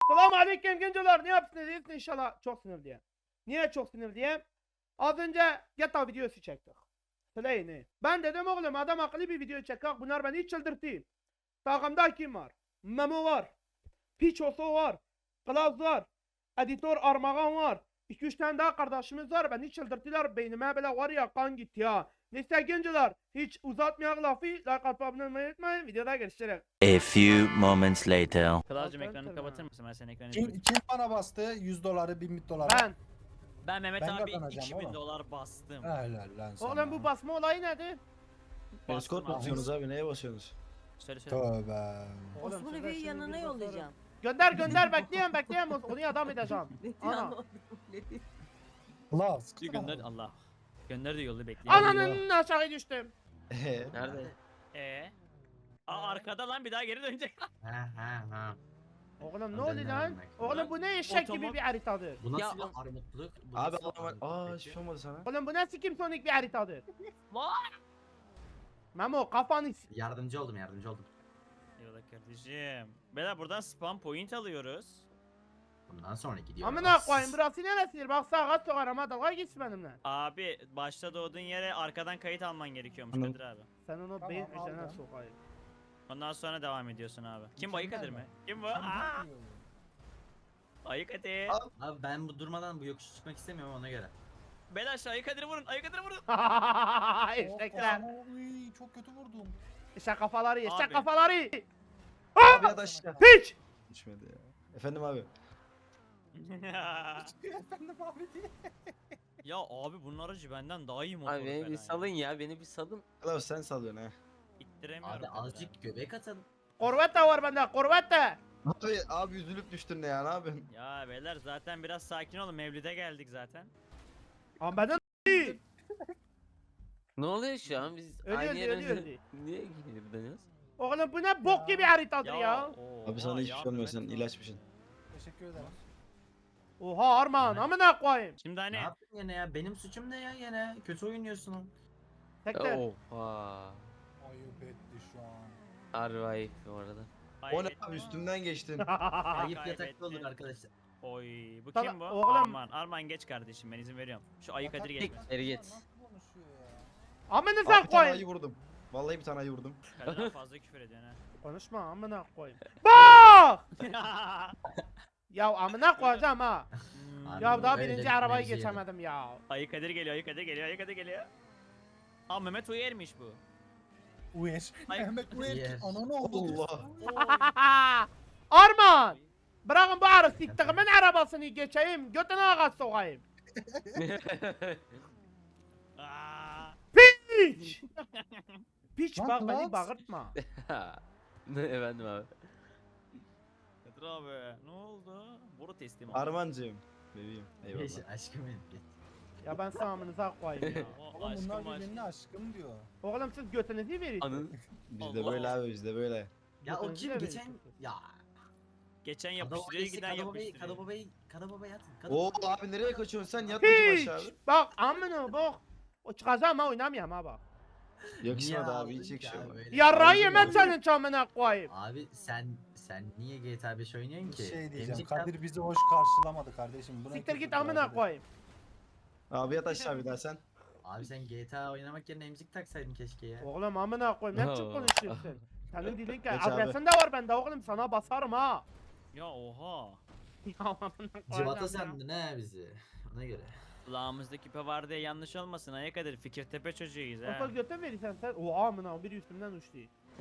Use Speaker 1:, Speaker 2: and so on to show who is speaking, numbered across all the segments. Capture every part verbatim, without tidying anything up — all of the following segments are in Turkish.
Speaker 1: Selamun aleyküm gençler. Ne yapsınız? İyisiniz inşallah. Çok sinirliyim. Niye çok sinirliyim? Az önce G T A videosu çektik. Söyleyini. Ben dedim oğlum adam akıllı bir video çekek. Bunlar beni hiç çıldırttı. Takımda kim var? Memo var. Piçoso var. Klaus var. Editör Armagan var. iki üç tane daha kardeşimiz var. Beni çıldırttılar. Beynime böyle var ya kan gitti ya. Neyse gençler. Hiç uzatmayak lafı. Like atıp abone olmayı unutmayın. Videoda görüşürüz.
Speaker 2: A few moments later.
Speaker 3: Kralcığım
Speaker 1: Altı
Speaker 3: ekranı
Speaker 1: enter
Speaker 3: kapatır
Speaker 1: mi?
Speaker 3: mısın? Ben senin ekranı
Speaker 4: Kim,
Speaker 3: izleyeyim.
Speaker 4: kim bana bastı yüz doları bin doları?
Speaker 1: Ben.
Speaker 3: Ben Mehmet
Speaker 4: Ben
Speaker 3: abi
Speaker 4: kazanacağım
Speaker 3: iki bin
Speaker 4: oğlum.
Speaker 3: dolar bastım.
Speaker 4: Helal lan sana.
Speaker 1: Oğlum bu basma olayı nedir?
Speaker 3: Bastım
Speaker 5: Escort mu
Speaker 3: abi.
Speaker 5: atıyorsunuz abi? Neye basıyorsunuz?
Speaker 3: Söyle söyle.
Speaker 4: Tövbe.
Speaker 1: Oğlum
Speaker 6: Osman
Speaker 1: size
Speaker 6: Evi'yi
Speaker 1: şimdi
Speaker 6: yanına
Speaker 1: bir basarım.
Speaker 6: yollayacağım.
Speaker 1: Gönder gönder bekleyen bekleyen onu adam edeceğim. Ana.
Speaker 4: Las.
Speaker 3: Bir gönder Allah. Gönder de yolu bekliyor.
Speaker 1: Ananın aşağı düştüm.
Speaker 5: Nerede?
Speaker 3: Ee? Aa arkada lan bir daha geri dönecek.
Speaker 1: Oğlum ne
Speaker 7: Ben
Speaker 1: oluyor
Speaker 7: de
Speaker 1: lan?
Speaker 7: ne
Speaker 1: Oğlum bu ne eşek gibi
Speaker 3: Otomat-
Speaker 1: bir haritadır.
Speaker 7: Bu nasıl
Speaker 3: Ya-
Speaker 7: bir armutluk? Bu
Speaker 5: Abi
Speaker 7: nasıl bir
Speaker 5: adam
Speaker 7: armutluk
Speaker 5: aa
Speaker 7: peki?
Speaker 5: hiçbir şey olmadı sana.
Speaker 1: Oğlum bu nasıl Kim Sonic bir haritadır.
Speaker 3: Vay.
Speaker 1: Memo kafanı s-
Speaker 7: Yardımcı oldum yardımcı oldum.
Speaker 3: Yola kardeşim. Beyler buradan spam point alıyoruz.
Speaker 7: Bundan sonra gidiyoruz.
Speaker 1: Amına koyayım burası neresidir? Bak sağa sokarım ha dalga geçsin benimle.
Speaker 3: Abi başta doğduğun yere arkadan kayıt alman gerekiyormuş
Speaker 5: Anladım.
Speaker 3: Kadir abi.
Speaker 1: Sen onu
Speaker 4: Tamam,
Speaker 1: beyin
Speaker 4: al
Speaker 1: üzerine
Speaker 4: ya.
Speaker 1: sokayım.
Speaker 3: Ondan sonra devam ediyorsun abi. Kim bu Ayı Kadir
Speaker 4: Mükemmel
Speaker 3: mi?
Speaker 4: mi?
Speaker 3: Kim bu?
Speaker 4: Sen
Speaker 3: Aa,
Speaker 4: çok iyi oldun.
Speaker 3: Ayı Kadir.
Speaker 7: Abi ben bu durmadan bu yokuşu çıkmak istemiyorum ona göre.
Speaker 3: Beyler şu Ayı Kadir'i vurun. Ayı Kadir'i vurun.
Speaker 1: Eşekler.
Speaker 4: Oh, oy, çok kötü vurdum.
Speaker 1: Eşek kafaları, eşek
Speaker 3: Abi.
Speaker 1: kafaları.
Speaker 5: Abi ya da aşağı.
Speaker 1: Piç!
Speaker 5: Düşmedi ya. Efendim abi.
Speaker 4: Efendim abi diye.
Speaker 3: Ya abi bunun aracı benden daha iyi motoru
Speaker 8: Abi beni
Speaker 3: falan
Speaker 8: bir
Speaker 3: ya.
Speaker 8: salın ya, beni bir salın.
Speaker 5: Klaus sen sallıyorsun ha.
Speaker 3: İttiremiyorum.
Speaker 7: Abi
Speaker 3: Kadir'i.
Speaker 7: azıcık göbek atalım.
Speaker 1: Korvette var bende, korvette.
Speaker 5: Abi abi üzülüp düştün ne ya ne yapıyorsun?
Speaker 3: Ya beyler zaten biraz sakin olun. Mevlid'e geldik zaten.
Speaker 1: Ama benden
Speaker 8: Ne oluyor şu an? Biz
Speaker 1: Ölüyor,
Speaker 8: aynı yere
Speaker 1: ölüyor, ölüyor.
Speaker 8: niye geri dönüyoruz?
Speaker 1: Oğlum bu ne bok gibi haritadır ya.
Speaker 3: oha
Speaker 5: Abi sana hiçbir
Speaker 3: ya
Speaker 5: şey olmuyor sen
Speaker 3: Mehmet
Speaker 5: ilaçmışsın.
Speaker 4: Teşekkür ederim.
Speaker 1: Oha Arman amına koyayım.
Speaker 3: Şimdi
Speaker 7: Ne
Speaker 3: hani
Speaker 7: yaptın yine ya? Benim suçum ne ya yine? Kötü oynuyorsun.
Speaker 1: Tekrar.
Speaker 8: Oha.
Speaker 4: Ayıp etti şu an.
Speaker 8: Harbi ayıp bu arada.
Speaker 5: O ne
Speaker 3: kaybettim
Speaker 5: abi
Speaker 3: ama-
Speaker 5: üstümden geçtin.
Speaker 7: Ayıp
Speaker 3: kaybettin.
Speaker 7: yatakta olur arkadaşlar.
Speaker 3: Oy bu
Speaker 1: Sana-
Speaker 3: kim bu?
Speaker 1: oğlum-
Speaker 3: Arman. Arman geç kardeşim ben izin veriyorum. Şu Ayı Kadir
Speaker 4: Yatak-
Speaker 3: gelmez.
Speaker 8: Geri git.
Speaker 4: Nasıl konuşuyor ya?
Speaker 1: Amına
Speaker 5: Abi
Speaker 1: sen
Speaker 5: bir tane ayı
Speaker 1: koyayım.
Speaker 5: vurdum. Vallahi bir tane ayı vurdum.
Speaker 3: Kadir abi fazla küfür ediyorsun
Speaker 1: Konuşma amına koyayım. Bak!
Speaker 3: ha.
Speaker 1: Ya amına koyacağım ha.
Speaker 3: Hmm.
Speaker 7: Abi
Speaker 1: Ya daha
Speaker 7: öyle
Speaker 1: birinci
Speaker 7: bir
Speaker 1: arabayı
Speaker 7: mevzu
Speaker 1: geçemedim ya.
Speaker 3: Ayı Kadir geliyor, Ayı Kadir geliyor, Ayı Kadir geliyor. Aa Mehmet Uyer'miş bu.
Speaker 4: Uyer.
Speaker 3: Ay-
Speaker 4: Mehmet Uyer.
Speaker 7: Uyer.
Speaker 4: Ananı oldu.
Speaker 5: Allah.
Speaker 1: Arman! Bırakın bu arı siktiğimin arabasını geçeyim. Götüne ağaç sokayım.
Speaker 3: Aa.
Speaker 1: Piç! Piç
Speaker 4: Lan
Speaker 1: bak beni
Speaker 4: Klaus.
Speaker 1: bağırtma.
Speaker 8: Ne efendim abi?
Speaker 3: Kadir abi ne oldu? Boru teslim oldu.
Speaker 5: Armancığım. Bebeğim.
Speaker 7: Geç
Speaker 5: Eyvallah.
Speaker 7: aşkım benim. geç.
Speaker 1: Ya ben sana amınıza koyayım ya.
Speaker 3: O
Speaker 4: Oğlum
Speaker 3: aşkım
Speaker 4: bunlar
Speaker 3: aşkım.
Speaker 4: birbirine aşkım diyor.
Speaker 1: Oğlum siz götünüzü verin.
Speaker 8: Anın.
Speaker 5: Bizde
Speaker 3: Allah
Speaker 5: böyle
Speaker 3: Allah.
Speaker 5: abi bizde böyle.
Speaker 7: Ya o
Speaker 1: Götünüzü
Speaker 7: kim
Speaker 1: de verin
Speaker 7: geçen
Speaker 1: siz.
Speaker 7: ya.
Speaker 3: Geçen
Speaker 7: Kada
Speaker 3: yapıştırıyor giden
Speaker 7: babayı,
Speaker 3: yapıştırıyor.
Speaker 7: kada babayı, kada babayı atın. Kada
Speaker 5: Oo
Speaker 7: babayı.
Speaker 5: abi nereye kaçıyorsun sen yat bakayım
Speaker 1: Piç!
Speaker 5: aşağı abi.
Speaker 1: Bak amına bak. O çıkacağım ha oynamayayım ha bak.
Speaker 5: Yakışmadı
Speaker 7: Niye
Speaker 5: abi hiç
Speaker 7: aldın ki
Speaker 5: yakışmadı.
Speaker 7: abi öyle?
Speaker 1: Yarrağı
Speaker 5: Aldın
Speaker 1: yemen
Speaker 5: ya.
Speaker 1: senin çamına koyayım.
Speaker 7: Abi sen sen niye G T A beş oynuyorsun
Speaker 4: Bir
Speaker 7: ki?
Speaker 4: şey diyeceğim.
Speaker 7: Emzik yap-
Speaker 4: Kadir bizi hoş karşılamadı kardeşim. Buna
Speaker 1: Siktir
Speaker 4: kötü
Speaker 1: git
Speaker 4: bir
Speaker 1: amına
Speaker 4: hareket.
Speaker 1: koyayım.
Speaker 5: Abi yat aşağı bir daha sen.
Speaker 7: Abi sen G T A oynamak yerine emzik taksaydın keşke ya.
Speaker 1: Oğlum amına koyayım ne biçim
Speaker 8: Oo.
Speaker 1: konuşuyorsun? Senin dilin ki
Speaker 5: Geç abi.
Speaker 1: adresin de var bende oğlum sana basarım ha.
Speaker 3: Ya oha.
Speaker 1: Ya amına koyacağım
Speaker 7: Civata
Speaker 1: ya.
Speaker 7: sandın ha bizi. Ona göre.
Speaker 3: Kulağımızda küpe var diye yanlış olmasın Ayı Kadir. Fikirtepe çocuğuyuz ha.
Speaker 1: Kafa göte verirsen sen. Oha amına biri üstümden uçtu.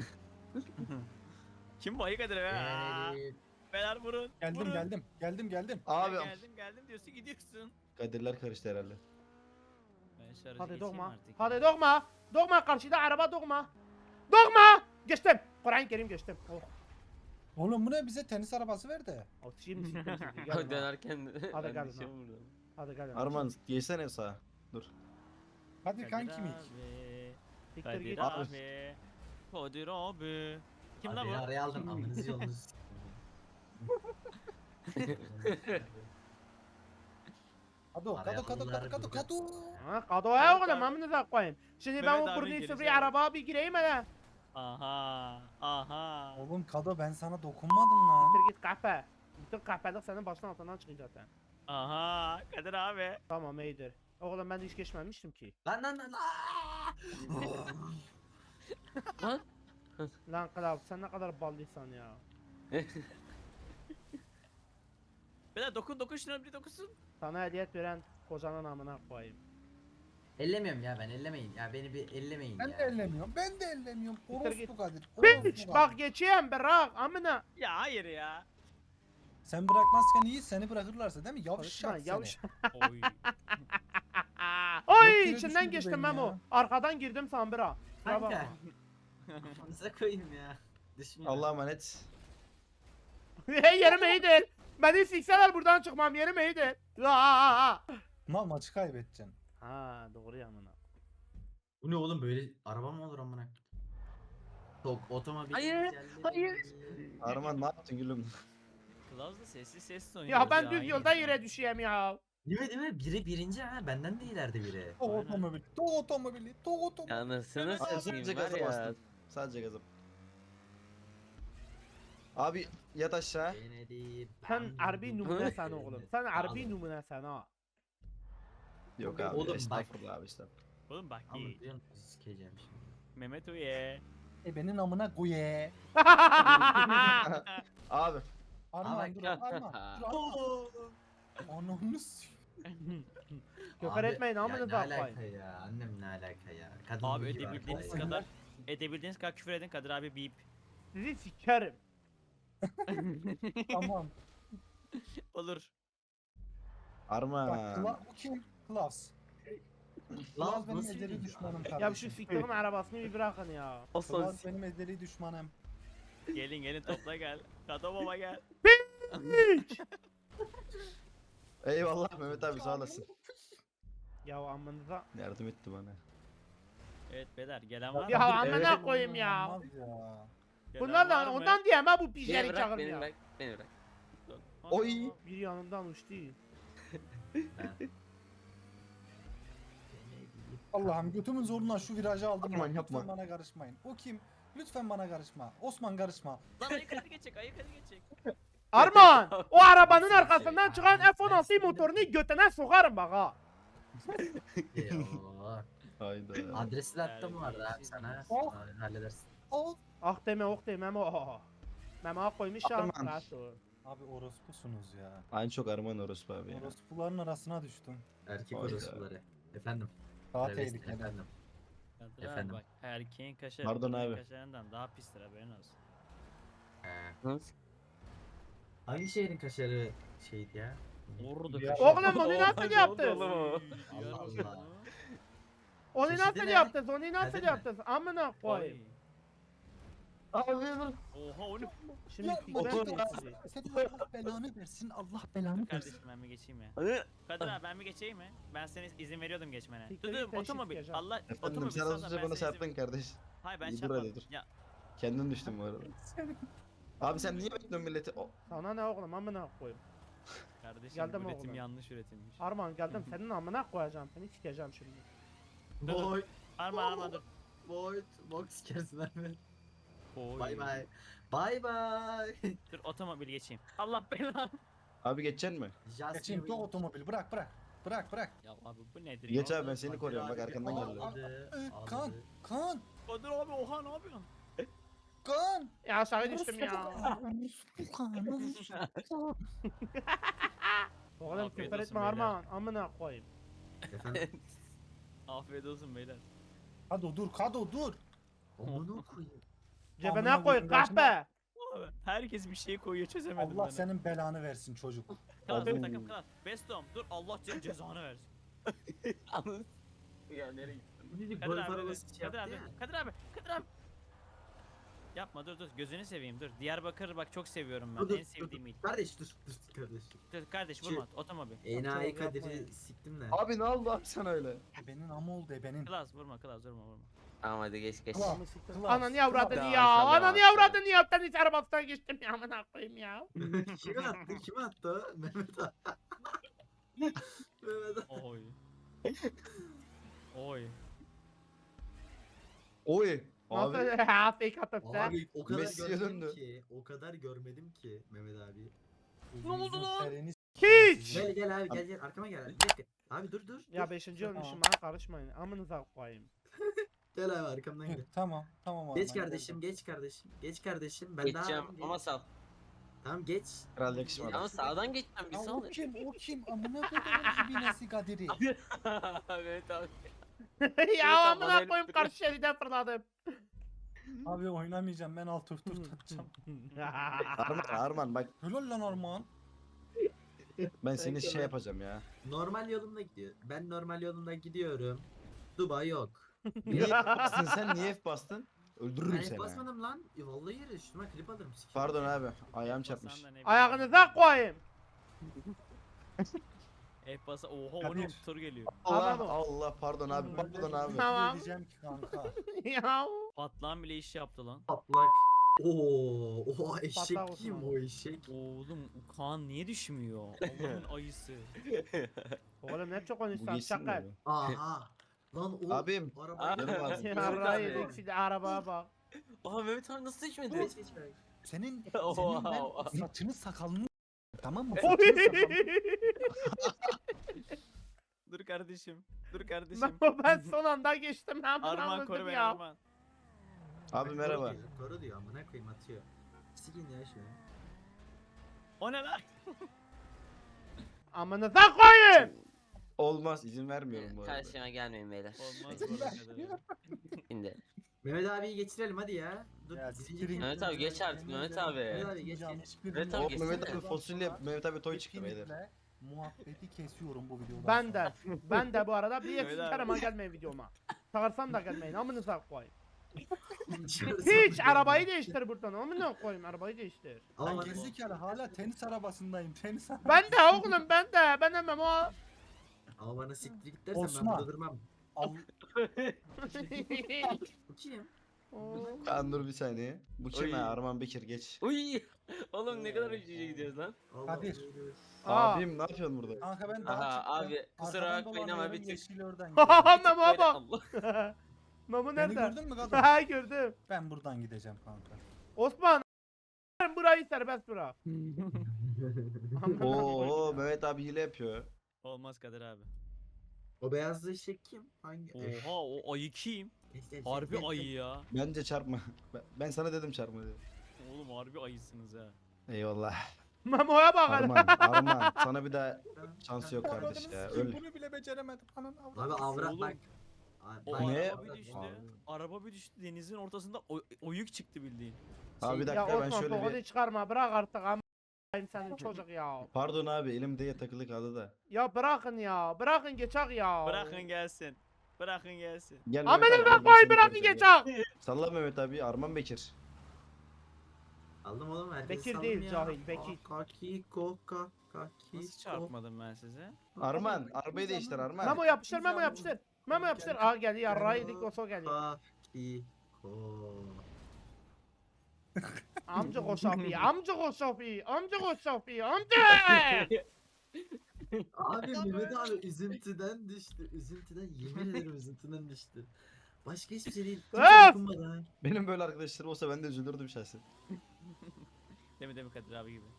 Speaker 3: Kim bu Ayı Kadir be? Aa,
Speaker 7: Eee,
Speaker 3: Beyler vurun.
Speaker 4: Geldim
Speaker 3: vurun.
Speaker 4: geldim. Geldim geldim.
Speaker 5: Abi
Speaker 3: Ya geldim geldim diyorsun gidiyorsun.
Speaker 5: Kadirler karıştı herhalde.
Speaker 3: Ben şu aracı
Speaker 1: Hadi
Speaker 3: geçeyim
Speaker 1: dokma.
Speaker 3: artık.
Speaker 1: Hadi dokma. Dokma karşıda araba dokma. Dokma. Geçtim. Kur'an-ı Kerim geçtim. Oh.
Speaker 4: Oğlum bu ne bize tenis arabası ver de.
Speaker 1: Oh, şimdi siktir siktir. Gel lan.
Speaker 8: Dönerken
Speaker 1: Hadi
Speaker 8: ben
Speaker 1: gel
Speaker 8: düşüyorum
Speaker 1: lan.
Speaker 8: buradan.
Speaker 1: Hadi gel. lan.
Speaker 5: Arman geçsene sağa. Dur.
Speaker 4: Hadi kanki mik.
Speaker 3: abi.
Speaker 1: Siktir
Speaker 3: Kadir
Speaker 1: git.
Speaker 5: Abi.
Speaker 3: abi. Kadir abi. Kim
Speaker 7: abi
Speaker 3: lan
Speaker 7: beni
Speaker 3: bu?
Speaker 7: araya aldın. Amınızı yolunuz.
Speaker 4: Kado
Speaker 7: Araya
Speaker 4: kado kado
Speaker 7: aldılar
Speaker 4: kado kado
Speaker 7: burada.
Speaker 4: kado.
Speaker 1: Ha, kadoya
Speaker 3: Evet
Speaker 1: oğlum
Speaker 3: abi.
Speaker 1: amınıza koyayım. Şimdi
Speaker 3: Mehmet
Speaker 1: ben bu
Speaker 3: abi
Speaker 1: burnu
Speaker 3: gerisi
Speaker 1: sıfır
Speaker 3: abi.
Speaker 1: arabaya bir gireyim hele.
Speaker 3: Aha. Aha.
Speaker 4: Oğlum kado ben sana dokunmadım lan.
Speaker 1: Siktir git kahpe. Bütün kahpelik senin başın altından çıkıyor zaten.
Speaker 3: Aha Kadir abi.
Speaker 1: Tamam iyidir. Oğlum ben de hiç geçmemiştim ki.
Speaker 7: Lan lan lan. Aa!
Speaker 8: Lan.
Speaker 1: Lan Klav sen ne kadar ballıysan ya.
Speaker 3: Beyler dokun dokun şuna bir dokunsun.
Speaker 1: Sana hediyet veren kocanın amına koyayım.
Speaker 7: Ellemiyorum ya ben ellemeyin. Ya beni bir ellemeyin
Speaker 4: Ben
Speaker 7: ya.
Speaker 4: de ellemiyorum. Ben de ellemiyorum.
Speaker 1: Siktir git.
Speaker 4: Orospu Kadir.
Speaker 1: Piç
Speaker 4: orospu Kadir.
Speaker 1: bak geçeyim bırak amına.
Speaker 3: Ya hayır ya.
Speaker 4: Sen bırakmazken iyi, seni bırakırlarsa değil mi?
Speaker 1: Konuşma,
Speaker 4: Yavşak
Speaker 1: yavş.
Speaker 4: seni.
Speaker 3: Oy.
Speaker 1: Oy
Speaker 4: kere
Speaker 1: içinden
Speaker 4: düşürdü
Speaker 1: geçtim
Speaker 4: beni
Speaker 1: Memo.
Speaker 4: ya.
Speaker 1: Arkadan girdim Sambira. Kusura bakma.
Speaker 7: Kanka. Kafanıza koyayım ya. Düşmüyor.
Speaker 5: Allah'a emanet.
Speaker 1: Hey yerim iyidir. Beni sikseler buradan çıkmam yerim iyidir. Aa!
Speaker 4: Mal maçı kaybedeceksin.
Speaker 1: Ha doğru ya amına.
Speaker 7: Bu ne oğlum böyle araba mı olur amına? Tok otomobil.
Speaker 8: Hayır,
Speaker 7: güzelleri-
Speaker 8: hayır.
Speaker 5: Arman ne yaptın gülüm?
Speaker 3: Kılavuz da sessiz sessiz oynuyor.
Speaker 1: Ya ben düz yolda yere düşeyim ya.
Speaker 7: Değil mi değil mi? Biri birinci ha. Benden de ileride biri.
Speaker 4: Tok
Speaker 3: Aynen.
Speaker 4: otomobili. Tok otomobili. Tok otomobili.
Speaker 8: Anasını
Speaker 5: Abi
Speaker 8: satayım
Speaker 5: sadece
Speaker 8: var
Speaker 5: gaza
Speaker 8: ya.
Speaker 5: bastım. Sadece gaza. Abi yat aşağı.
Speaker 7: Kennedy,
Speaker 1: Sen
Speaker 7: bam,
Speaker 1: harbi
Speaker 7: bum,
Speaker 1: numune
Speaker 7: bum.
Speaker 1: sen oğlum. Sen harbi
Speaker 7: Aldım.
Speaker 1: numune sen ha.
Speaker 5: Yok abi.
Speaker 7: Oğlum bak.
Speaker 5: Estağfurullah abi estağfurullah.
Speaker 3: Oğlum bak
Speaker 7: Ama
Speaker 3: iyi.
Speaker 7: biliyor musun sikeceğim şimdi.
Speaker 3: Mehmet Uye.
Speaker 4: E benim amına koye.
Speaker 5: Abi.
Speaker 4: Arman
Speaker 7: bak-
Speaker 4: dur Arman. Dur Arman. Ananı s-
Speaker 1: Küfür
Speaker 7: Abi,
Speaker 1: etmeyin
Speaker 7: ya
Speaker 1: amınıza
Speaker 7: Ne alaka
Speaker 1: koyayım.
Speaker 7: ya? Annem ne alaka ya? Kadın
Speaker 3: Abi
Speaker 7: gibi
Speaker 3: edebildiğiniz
Speaker 7: arkadaş.
Speaker 3: kadar edebildiğiniz kadar küfür edin Kadir abi bip.
Speaker 1: Sizi sikerim.
Speaker 4: Tamam.
Speaker 3: Olur.
Speaker 5: Arman.
Speaker 4: Bak Kla bu kim? Klas.
Speaker 7: Lan
Speaker 4: Klas benim
Speaker 7: nasıl
Speaker 4: ezeli
Speaker 7: birinci
Speaker 4: düşmanım
Speaker 7: abi?
Speaker 1: Ya şu
Speaker 4: kardeşim.
Speaker 1: siktirin arabasını bir bırakın ya.
Speaker 8: O son
Speaker 4: Klas benim ezeli düşmanım.
Speaker 3: Gelin gelin topla gel. Kato baba gel.
Speaker 1: Hiç.
Speaker 5: Eyvallah Mehmet abi sağ olasın.
Speaker 1: Ya amınıza.
Speaker 5: Yardım etti bana.
Speaker 3: Evet beyler gelen var mı?
Speaker 1: Ya amına
Speaker 5: Evet.
Speaker 1: koyayım ya.
Speaker 4: Olmaz ya.
Speaker 3: Gelen
Speaker 1: Bunlar
Speaker 3: var
Speaker 1: da
Speaker 3: mı?
Speaker 1: ondan diyeyim ha bu
Speaker 8: Beni
Speaker 1: pijeri
Speaker 8: bırak,
Speaker 1: çağırın
Speaker 8: beni
Speaker 1: ya.
Speaker 8: bırak, beni bırak.
Speaker 5: Oy.
Speaker 1: Bir yanımdan uçtu.
Speaker 7: Ben.
Speaker 4: Allah'ım götümün zorundan şu virajı aldım.
Speaker 5: Aman
Speaker 4: lan.
Speaker 5: yapma.
Speaker 4: Lütfen bana karışmayın. O kim? Lütfen bana karışma. Osman karışma.
Speaker 3: Lan ayık hadi geçecek ayık hadi geçecek.
Speaker 1: Arman o arabanın
Speaker 7: Nasıl bir
Speaker 1: arkasından
Speaker 7: şey?
Speaker 1: çıkan
Speaker 7: Ben
Speaker 1: F on altı
Speaker 7: sinirlendim.
Speaker 1: motorunu götüne sokarım bak ha.
Speaker 7: Eyvah.
Speaker 5: Hayda.
Speaker 7: Adresi de attım bu arada abi sana.
Speaker 4: Oh.
Speaker 7: Aa, Halledersin.
Speaker 4: Al.
Speaker 1: Ah deme ok deme Memo. Memo koymuş ya.
Speaker 5: Arman.
Speaker 1: rahat ol.
Speaker 4: Abi orospusunuz ya.
Speaker 5: Aynı çok Arman orospu abi ya.
Speaker 4: Orospuların arasına düştüm.
Speaker 7: Erkek
Speaker 5: Hayda.
Speaker 7: orospuları. Efendim.
Speaker 4: Daha
Speaker 7: Travesti
Speaker 4: tehlikeli.
Speaker 7: efendim.
Speaker 3: Kadir abi
Speaker 7: Efendim?
Speaker 3: bak erkeğin kaşarı
Speaker 5: Pardon
Speaker 3: kadının
Speaker 5: abi.
Speaker 3: kaşarından daha pistir haberin olsun.
Speaker 7: He.
Speaker 8: Nasıl?
Speaker 7: Hangi şehrin kaşarı şeydi ya?
Speaker 3: Orada
Speaker 4: Ya-
Speaker 3: kaşar.
Speaker 1: Oğlum onu nasıl yaptın?
Speaker 7: Allah
Speaker 3: Diyarbakır
Speaker 7: Allah.
Speaker 3: mı?
Speaker 1: Onu
Speaker 7: Çeşidi
Speaker 1: nasıl
Speaker 7: ne?
Speaker 1: yaptın? Onu nasıl
Speaker 7: Kadir mi?
Speaker 1: yaptın? Amına koyayım.
Speaker 5: Abi dur.
Speaker 3: Oha onu.
Speaker 1: Şimdi
Speaker 4: Ya,
Speaker 1: fikren
Speaker 5: otur.
Speaker 1: sizi.
Speaker 4: Senin Allah belanı versin. Allah belanı versin.
Speaker 3: Kardeşim ben mi geçeyim ya? Kadir abi ben mi geçeyim mi? Ben senin izin veriyordum geçmene.
Speaker 1: Siktir
Speaker 3: Dur
Speaker 1: git,
Speaker 3: dur
Speaker 1: ben
Speaker 3: otomobil.
Speaker 1: şirket
Speaker 3: Allah
Speaker 5: Efendim
Speaker 3: otomobil
Speaker 5: sen
Speaker 3: salla,
Speaker 5: az önce
Speaker 3: ben
Speaker 5: bana
Speaker 3: sana izin-
Speaker 5: çarptın kardeş.
Speaker 3: Hayır ben
Speaker 5: Dur
Speaker 3: çarpmadım.
Speaker 5: hadi dur.
Speaker 3: Ya
Speaker 5: Kendin düştün bu arada. Abi sen niye bekliyorsun milleti? O-
Speaker 1: Sana ne oğlum amına koyayım.
Speaker 3: kardeşim
Speaker 1: Geldim
Speaker 3: üretim
Speaker 1: oğlum.
Speaker 3: yanlış üretilmiş.
Speaker 1: Arman geldim senin amına koyacağım seni sikeceğim şimdi.
Speaker 7: Boy.
Speaker 3: Arma arma dur.
Speaker 7: Boy. Box sikersin abi.
Speaker 3: Oy.
Speaker 7: Bay bay. Bay bay.
Speaker 3: Dur otomobil geçeyim. Allah belanı.
Speaker 5: Abi geçeceksin mi?
Speaker 7: Just
Speaker 4: Geçeyim
Speaker 7: you
Speaker 4: tok
Speaker 7: win.
Speaker 4: otomobil bırak bırak. Bırak bırak.
Speaker 3: Ya abi bu nedir
Speaker 5: Geç
Speaker 3: ya?
Speaker 5: abi ben seni koruyorum bak
Speaker 7: Kadir abi
Speaker 5: arkandan
Speaker 7: bir
Speaker 5: geldi.
Speaker 7: ağladı,
Speaker 4: Ee,
Speaker 7: ağladı.
Speaker 4: Kan. Kan.
Speaker 3: Kadir abi oha ne yapıyorsun?
Speaker 4: Kan.
Speaker 1: Ya aşağı düştüm ya. Oğlum
Speaker 3: Afiyet
Speaker 1: küfür
Speaker 3: olsun
Speaker 1: etme
Speaker 3: beyler.
Speaker 1: Arman amına koyayım.
Speaker 7: Efendim.
Speaker 3: Afiyet olsun beyler.
Speaker 4: Kado dur Kado dur.
Speaker 7: Onu koyayım.
Speaker 1: Cebine
Speaker 4: Amına
Speaker 1: koy
Speaker 4: koyayım, ben
Speaker 1: kahpe.
Speaker 3: Abi, herkes bir şey koyuyor çözemedim
Speaker 4: Allah
Speaker 3: ben.
Speaker 4: senin belanı versin çocuk.
Speaker 3: Klas
Speaker 5: Abi.
Speaker 3: takım klas. Bestom dur Allah senin cezanı versin.
Speaker 8: Anladın? Ya nereye gittin?
Speaker 7: Bir
Speaker 3: Kadir
Speaker 7: golf
Speaker 3: abi,
Speaker 7: arabası şey
Speaker 3: Kadir
Speaker 7: yaptı
Speaker 3: abi,
Speaker 7: ya.
Speaker 3: Kadir abi, Kadir abi. Yapma dur dur gözünü seveyim dur. Diyarbakır bak çok seviyorum ben.
Speaker 7: Dur, dur,
Speaker 3: En sevdiğim il.
Speaker 7: Kardeş dur dur kardeş.
Speaker 3: Dur kardeş
Speaker 7: Şey-
Speaker 3: vurma otomobil.
Speaker 7: Enayi
Speaker 1: Çok
Speaker 7: Kadir'i
Speaker 1: yapmayın.
Speaker 7: siktim de.
Speaker 5: Abi ne oldu abi sana öyle?
Speaker 4: Benim ama oldu benim.
Speaker 3: Klas vurma klas vurma vurma.
Speaker 8: Tamam hadi geç geç.
Speaker 4: Klas. Klas.
Speaker 1: Ananı avradını
Speaker 8: Klas.
Speaker 1: ya.
Speaker 8: Maşallah,
Speaker 1: Ananı
Speaker 8: maşallah.
Speaker 1: avradını ya. Ben hiç arabasından geçtim ya amına koyayım ya.
Speaker 7: Kime attı? Kime attı? o? Mehmet attı. Mehmet attı.
Speaker 3: Oy. Oy.
Speaker 5: Oy. Abi.
Speaker 1: Nasıl ha fake atıp sen?
Speaker 7: Abi o kadar
Speaker 5: Messi'ye
Speaker 7: görmedim
Speaker 5: döndü.
Speaker 7: ki. O kadar görmedim ki Mehmet abi.
Speaker 1: Ne oldu lan?
Speaker 4: Sereni s-
Speaker 1: Hiç.
Speaker 7: Gel gel abi gel gel arkama gel. Bir dakika. Abi dur dur.
Speaker 1: Ya
Speaker 7: dur.
Speaker 1: beşinci
Speaker 4: Tamam.
Speaker 1: olmuşum bana karışmayın. Amınıza koyayım.
Speaker 7: Gel abi arkamdan gel.
Speaker 4: Tamam tamam abi.
Speaker 7: Geç kardeşim geç kardeşim. Geç kardeşim. Ben
Speaker 8: Geçeceğim
Speaker 7: daha
Speaker 8: ama sağ.
Speaker 7: Tamam geç.
Speaker 5: Kral yakışmadı.
Speaker 8: Ama sağdan geçeceğim bir
Speaker 4: Ya
Speaker 8: sağ
Speaker 4: o kim o kim amına koyduğum ibinesi Kadir'i.
Speaker 8: Evet abi.
Speaker 1: Ya
Speaker 8: tam bana
Speaker 1: amına
Speaker 8: öyle
Speaker 1: koyayım
Speaker 8: duruyor.
Speaker 1: karşı şeriden fırladım.
Speaker 4: Abi oynamayacağım ben alt F dört takacağım.
Speaker 5: Arman Arman bak
Speaker 4: Helal lan Armağan.
Speaker 5: ben seni
Speaker 7: Peki,
Speaker 5: şey
Speaker 7: ben-
Speaker 5: yapacağım ya.
Speaker 7: Normal yolumda gidiyor. Ben normal yolumda gidiyorum. Dubai yok.
Speaker 5: Niye F bastın sen? Niye F bastın? Öldürürüm
Speaker 7: Ben
Speaker 5: seni.
Speaker 7: F basmadım lan. E, vallahi yere üstüme klip alırım. sikerim.
Speaker 5: Pardon abi. Ayağım çarpmış.
Speaker 3: Basan da ne bileyim.
Speaker 1: Ayağınıza koyayım.
Speaker 3: F basa oha o
Speaker 4: Kadir.
Speaker 3: ne tur geliyor.
Speaker 5: Allah
Speaker 1: Tamam.
Speaker 5: Allah pardon abi. Pardon abi.
Speaker 1: Tamam.
Speaker 4: Diyeceğim ki kanka.
Speaker 1: Ya.
Speaker 3: Patlan bile iş yaptı lan.
Speaker 7: Patlak. Oo, o eşek
Speaker 1: Patlak
Speaker 7: kim
Speaker 1: Osman.
Speaker 7: o eşek?
Speaker 3: Oğlum Kaan niye düşmüyor? Allah'ın ayısı.
Speaker 1: Oğlum ne çok
Speaker 5: Bu
Speaker 1: konuşsan
Speaker 5: giysin
Speaker 1: şaka.
Speaker 5: mi?
Speaker 7: Aha. Lan o
Speaker 5: Abim.
Speaker 7: araba
Speaker 5: Canım abi.
Speaker 1: Ya
Speaker 8: Evet
Speaker 1: Ray
Speaker 8: abi.
Speaker 1: yedik şimdi arabaya bak.
Speaker 8: Oha Mehmet abi nasıl düşmedi?
Speaker 7: Geç geç bak.
Speaker 4: Senin
Speaker 8: Oha,
Speaker 4: senin ben
Speaker 8: oha.
Speaker 4: saçını sakalını tamam mı?
Speaker 1: Oy.
Speaker 4: Saçını sakalını.
Speaker 3: Dur kardeşim. Dur kardeşim.
Speaker 1: Ben, ben son anda geçtim. Ben
Speaker 3: Arman
Speaker 1: Arman
Speaker 3: koru beni
Speaker 1: ya.
Speaker 3: Arman.
Speaker 5: Abi merhaba.
Speaker 7: Koru diyor, koru diyor amına koyayım atıyor. Silin ya şunu.
Speaker 3: O ne lan?
Speaker 1: Amınıza koyayım.
Speaker 5: Olmaz izin vermiyorum bu arada.
Speaker 8: Karşıma gelmeyin beyler.
Speaker 3: Olmaz bu kadar.
Speaker 8: Şimdi.
Speaker 7: Mehmet abiyi geçirelim hadi ya. Dur.
Speaker 4: Ya
Speaker 7: birinci
Speaker 4: siktirin
Speaker 7: kim?
Speaker 8: Mehmet abi geç artık Mehmet abi.
Speaker 7: Mehmet abi geç
Speaker 4: Yapmayacağım
Speaker 7: geç.
Speaker 4: hiçbirini
Speaker 8: Evet abi,
Speaker 5: O
Speaker 8: geçsene.
Speaker 5: Mehmet abi fasulye Mehmet abi toy çıktı beyler.
Speaker 4: Kesinlikle muhabbeti kesiyorum bu videodan
Speaker 1: Ben
Speaker 4: sonra.
Speaker 1: de. Ben de bu arada bir
Speaker 3: Öyle
Speaker 1: eksik
Speaker 3: abi.
Speaker 1: karama gelmeyin videoma. Çağırsam da gelmeyin. Amınıza koyayım.
Speaker 7: Dışarı
Speaker 1: Hiç
Speaker 7: salın
Speaker 1: arabayı
Speaker 7: beni.
Speaker 1: değiştir buradan. Amına koyayım arabayı değiştir.
Speaker 7: Ama
Speaker 4: Ben
Speaker 7: bana-
Speaker 4: gerizekalı hala tenis arabasındayım tenis arabası.
Speaker 1: Ben de oğlum ben de. Ben hemen o.
Speaker 7: Ama bana siktir git dersen ben
Speaker 4: Osman.
Speaker 7: burada durmam.
Speaker 4: Al,
Speaker 7: Bu kim?
Speaker 1: Oo.
Speaker 5: Kaan dur bir saniye. Bu kim
Speaker 8: Oy.
Speaker 5: ha? Arman Bekir geç.
Speaker 8: Uy. Oğlum ne kadar ucuya gidiyoruz lan.
Speaker 7: Allah
Speaker 4: Kadir.
Speaker 7: Allah.
Speaker 1: Aa.
Speaker 5: Abim ne yapıyorsun burada?
Speaker 4: kanka ben daha
Speaker 8: Aha
Speaker 4: çıktım.
Speaker 8: abi kusura
Speaker 4: Arkadan
Speaker 8: bakmayın ama
Speaker 4: dolanıyorum,
Speaker 8: bir tık.
Speaker 4: yeşil oradan
Speaker 1: Haha
Speaker 4: gidiyorum.
Speaker 1: Memo
Speaker 8: Böyle
Speaker 1: bak.
Speaker 8: Allah.
Speaker 1: Memo
Speaker 4: Beni
Speaker 1: nerede?
Speaker 4: gördün mü kadın?
Speaker 1: Ha gördüm.
Speaker 4: Ben buradan gideceğim kanka.
Speaker 1: Osman. Burayı serbest bırak.
Speaker 5: Oo Mehmet abi hile yapıyor.
Speaker 3: Olmaz Kadir abi.
Speaker 7: O beyazlı eşek kim? Hangi?
Speaker 3: Oha o ayı kim?
Speaker 7: Geç, geç,
Speaker 3: Harbi
Speaker 7: geç,
Speaker 3: ayı
Speaker 7: geç.
Speaker 3: ya.
Speaker 5: Bence çarpma. Ben, ben sana dedim çarpma diye.
Speaker 3: Oğlum harbi ayısınız ha.
Speaker 5: Eyvallah.
Speaker 1: Memo'ya bak hele.
Speaker 5: Arman, Arman sana bir daha şansı yok kardeş
Speaker 4: Avradını
Speaker 5: ya.
Speaker 4: sikeyim,
Speaker 5: Öl.
Speaker 4: Bunu bile beceremedim. Ananı
Speaker 7: Abi
Speaker 4: avradını
Speaker 7: avrat
Speaker 3: Oğlum.
Speaker 7: bak. Abi,
Speaker 3: O
Speaker 7: bak,
Speaker 5: Ne?
Speaker 3: araba bir
Speaker 7: avrat,
Speaker 3: düştü.
Speaker 7: avrat.
Speaker 3: Araba bir düştü denizin ortasında oy- oyuk çıktı bildiğin.
Speaker 5: Abi bir
Speaker 1: Ya
Speaker 5: dakika ben
Speaker 1: Osman
Speaker 5: şöyle
Speaker 1: tokadı
Speaker 5: bir...
Speaker 1: çıkarma bırak artık ama senin çocuk ya.
Speaker 5: Pardon abi elimde takılı kaldı da.
Speaker 1: Ya bırakın ya. Bırakın geçak ya.
Speaker 3: Bırakın gelsin. Bırakın gelsin.
Speaker 5: Gel
Speaker 1: Amına
Speaker 5: Mehmet abi,
Speaker 1: koy
Speaker 5: ben seni
Speaker 1: bırakın
Speaker 5: göreceğim.
Speaker 1: geçak.
Speaker 5: Salla Mehmet abi Arman Bekir.
Speaker 7: Aldım oğlum herkesi
Speaker 1: Bekir
Speaker 7: saldım
Speaker 1: değil,
Speaker 7: ya.
Speaker 1: cahil, Bekir.
Speaker 7: Aa, Kaki koka kaki.
Speaker 3: Nasıl çarpmadım ben size?
Speaker 5: Arman arabayı değiştir Arman.
Speaker 1: Memo yapıştır Memo yapıştır. Memo yapıştır. Aa geliyor yarrağı yedik o so geliyor.
Speaker 7: Kaki ko.
Speaker 1: Amca koşafi. Amca koşafi. Amca koşafi. Amca.
Speaker 7: Abi Mehmet abi üzüntüden düştü. Üzüntüden yemin ederim üzüntüden düştü. Başka hiçbir şey değil. Kimse
Speaker 1: Öf!
Speaker 7: dokunmadı ha.
Speaker 5: Benim böyle arkadaşlarım olsa ben de üzülürdüm şahsen.
Speaker 3: Demi demi Kadir abi gibi.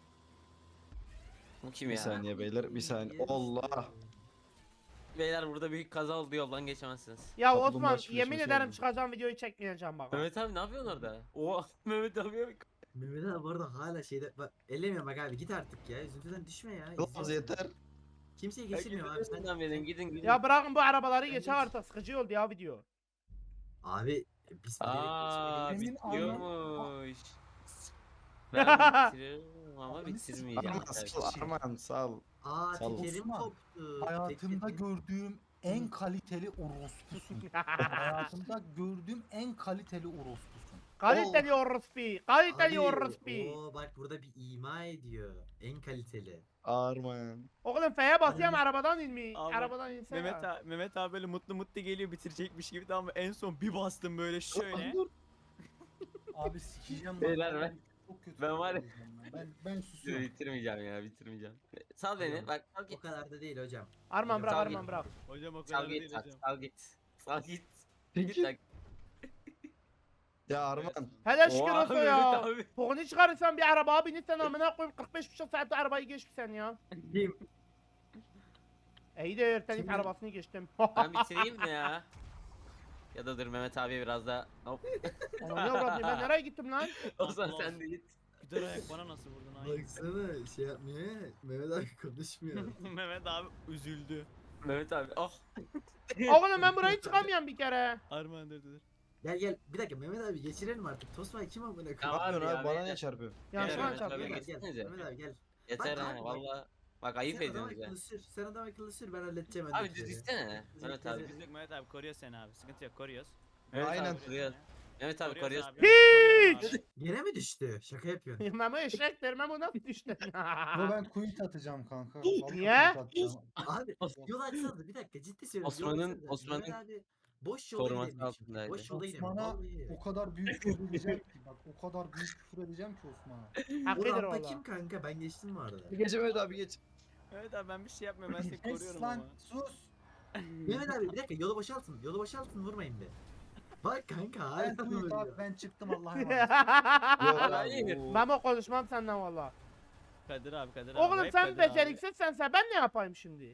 Speaker 8: Bu kim
Speaker 5: Bir
Speaker 8: ya?
Speaker 5: saniye beyler bir saniye. Allah.
Speaker 8: Beyler burada büyük kaza oldu yoldan geçemezsiniz.
Speaker 1: Ya
Speaker 5: Kaplumbağa
Speaker 1: Osman
Speaker 5: çiftleşmesi
Speaker 1: yemin ederim
Speaker 5: oldu.
Speaker 1: çıkacağım videoyu çekmeyeceğim bak.
Speaker 8: Mehmet abi ne yapıyorsun orada? Oha Mehmet abi bak.
Speaker 7: Mehmet abi bu arada hala şeyde bak ellemiyorum bak abi git artık ya üzüntüden düşme ya.
Speaker 5: Kılavuz
Speaker 7: izliyorsun.
Speaker 5: yeter.
Speaker 7: Kimseyi
Speaker 8: Ya
Speaker 7: geçirmiyor
Speaker 8: gidin
Speaker 7: abi sen.
Speaker 8: önden verin gidin gidin.
Speaker 1: Ya bırakın bu arabaları
Speaker 7: Ben
Speaker 1: geçer
Speaker 7: geç-
Speaker 1: artık sıkıcı oldu ya video.
Speaker 7: Abi biz
Speaker 8: Aa
Speaker 4: Senin
Speaker 8: bitiyormuş. Ben bitiriyorum ama
Speaker 4: Ananı sikeyim.
Speaker 8: bitirmeyeceğim.
Speaker 5: Arman sal Arman sal.
Speaker 7: Aa
Speaker 5: Sağ ol.
Speaker 7: tekerim
Speaker 4: Osman,
Speaker 7: koptu.
Speaker 4: Hayatımda
Speaker 7: Tekerim-
Speaker 4: gördüğüm en kaliteli orospusun. Hayatımda gördüğüm en kaliteli orospusun.
Speaker 1: Kaliteli orospu. Kaliteli
Speaker 7: Abi,
Speaker 1: orospu.
Speaker 7: Oo bak burada bir ima ediyor. En kaliteli.
Speaker 5: Arman.
Speaker 1: Oğlum F'ye basıyorum
Speaker 7: Abi.
Speaker 1: arabadan inmeyi.
Speaker 3: Abi,
Speaker 1: Arabadan insene.
Speaker 3: Mehmet abi, Mehmet abi böyle mutlu mutlu geliyor bitirecekmiş gibi tamam mı? En son bir bastım böyle şöyle.
Speaker 4: Abi sikeceğim bak.
Speaker 8: Beyler ben-
Speaker 4: Çok kötü.
Speaker 8: ben var ya-
Speaker 4: Ben, ben, ben susuyorum.
Speaker 8: Bitirmeyeceğim ya bitirmeyeceğim. Sal beni bak sal
Speaker 7: O
Speaker 8: git.
Speaker 7: kadar da değil hocam.
Speaker 1: Arman bırak
Speaker 8: Sağ
Speaker 1: Arman
Speaker 8: git.
Speaker 1: bırak.
Speaker 3: Hocam o kadar
Speaker 8: Sal
Speaker 3: değil
Speaker 8: git sal,
Speaker 3: hocam.
Speaker 8: sal git. Sal git. Git
Speaker 5: Peki.
Speaker 8: lan.
Speaker 5: Ya Arman.
Speaker 1: Hele şükür
Speaker 8: Oha,
Speaker 1: olsun
Speaker 8: Mehmet
Speaker 1: ya.
Speaker 8: abi.
Speaker 1: Pokunu çıkarırsan bir arabaya binirsen amına koyayım kırk beş buçuk saatte arabayı geçmişsen ya.
Speaker 7: Kim?
Speaker 1: İyi de ertelik
Speaker 7: Kimin?
Speaker 1: arabasını geçtim.
Speaker 8: Ben bitireyim mi ya? Ya da dur Mehmet abi biraz daha. Hop.
Speaker 1: Aman ne avradım ben nereye gittim lan?
Speaker 8: O zaman
Speaker 3: Allah.
Speaker 8: sen de git.
Speaker 3: Güzel ayak bana nasıl vurdun ay?
Speaker 7: Baksana şey yapmıyor ya. Mehmet abi konuşmuyor.
Speaker 3: Mehmet abi üzüldü.
Speaker 8: Mehmet abi. Oh.
Speaker 1: Oğlum ben burayı çıkamıyorum bir kere.
Speaker 3: Armağan dur dur.
Speaker 7: Gel gel bir dakika Mehmet abi geçirelim artık. Tosma kim amına koyayım?
Speaker 8: Ya
Speaker 5: Ne yapıyorsun
Speaker 8: abi
Speaker 5: abi?
Speaker 8: ya,
Speaker 5: Bana
Speaker 8: ben-
Speaker 5: niye çarpıyor?
Speaker 1: Yanlışlıkla
Speaker 8: Mehmet
Speaker 1: çarptım.
Speaker 8: abi
Speaker 7: Mehmet gel.
Speaker 8: geçsenize.
Speaker 7: Mehmet abi gel.
Speaker 8: Yeter
Speaker 7: Bak
Speaker 8: ha
Speaker 7: abi, bak.
Speaker 8: valla. Bak ayıp
Speaker 7: Sen adam
Speaker 8: ediyorsunuz ya.
Speaker 7: akıllı sür. Sen adam akıllı sür ben halledeceğim
Speaker 8: Abi düz
Speaker 7: öndekileri.
Speaker 8: gitsene. Mehmet abi.
Speaker 7: Biz-
Speaker 3: Biz yok Mehmet abi koruyor seni abi. Sıkıntı yok koruyoruz.
Speaker 5: Aynen.
Speaker 3: abi,
Speaker 8: Koruyoruz. Mehmet abi
Speaker 3: Koruyoruz
Speaker 8: koruyoruz.
Speaker 3: abi. Koruyorum abi.
Speaker 7: Gene mi düştü? Şaka yapıyorsun.
Speaker 1: Memo eşektir Memo nasıl düştün?
Speaker 4: Ama ben quit atacağım kanka. Vallahi
Speaker 1: Niye?
Speaker 4: quit atacağım.
Speaker 7: Abi yol açsanız bir dakika ciddi söylüyorum.
Speaker 8: Osman'ın-
Speaker 7: yol açsanıza.
Speaker 8: Osman'ın
Speaker 7: Mehmet abi boş yola
Speaker 8: koruması
Speaker 7: gidemiyor çünkü.
Speaker 8: altındaydı.
Speaker 7: Boş yola gidemiyor.
Speaker 4: Osman'a
Speaker 7: Vallahi.
Speaker 4: o kadar büyük küfür edeceğim ki. Bak o kadar büyük küfür edeceğim ki Osman'a.
Speaker 7: Bu
Speaker 1: Hakkıdır
Speaker 7: rampa
Speaker 1: valla.
Speaker 7: kim kanka? Ben geçtim bu arada.
Speaker 5: Geç Mehmet abi geç.
Speaker 3: Mehmet abi ben bir şey yapmıyorum ben seni
Speaker 4: Kes
Speaker 3: koruyorum
Speaker 4: lan
Speaker 3: ama.
Speaker 4: sus.
Speaker 7: Mehmet abi bir dakika yolu boşaltın. Yolu boşaltın vurmayın be. Bak kanka
Speaker 4: Ben
Speaker 7: hala
Speaker 4: quit
Speaker 7: vuruyor.
Speaker 4: abi ben çıktım Allah'a emanet.
Speaker 5: Yok
Speaker 8: Hayır.
Speaker 5: abi. bu-
Speaker 1: Memo konuşmam senden valla.
Speaker 3: Kadir abi Kadir abi.
Speaker 1: Oğlum
Speaker 3: hep
Speaker 1: sen
Speaker 3: Kadir abi.
Speaker 1: beceriksizsense ben ne yapayım şimdi?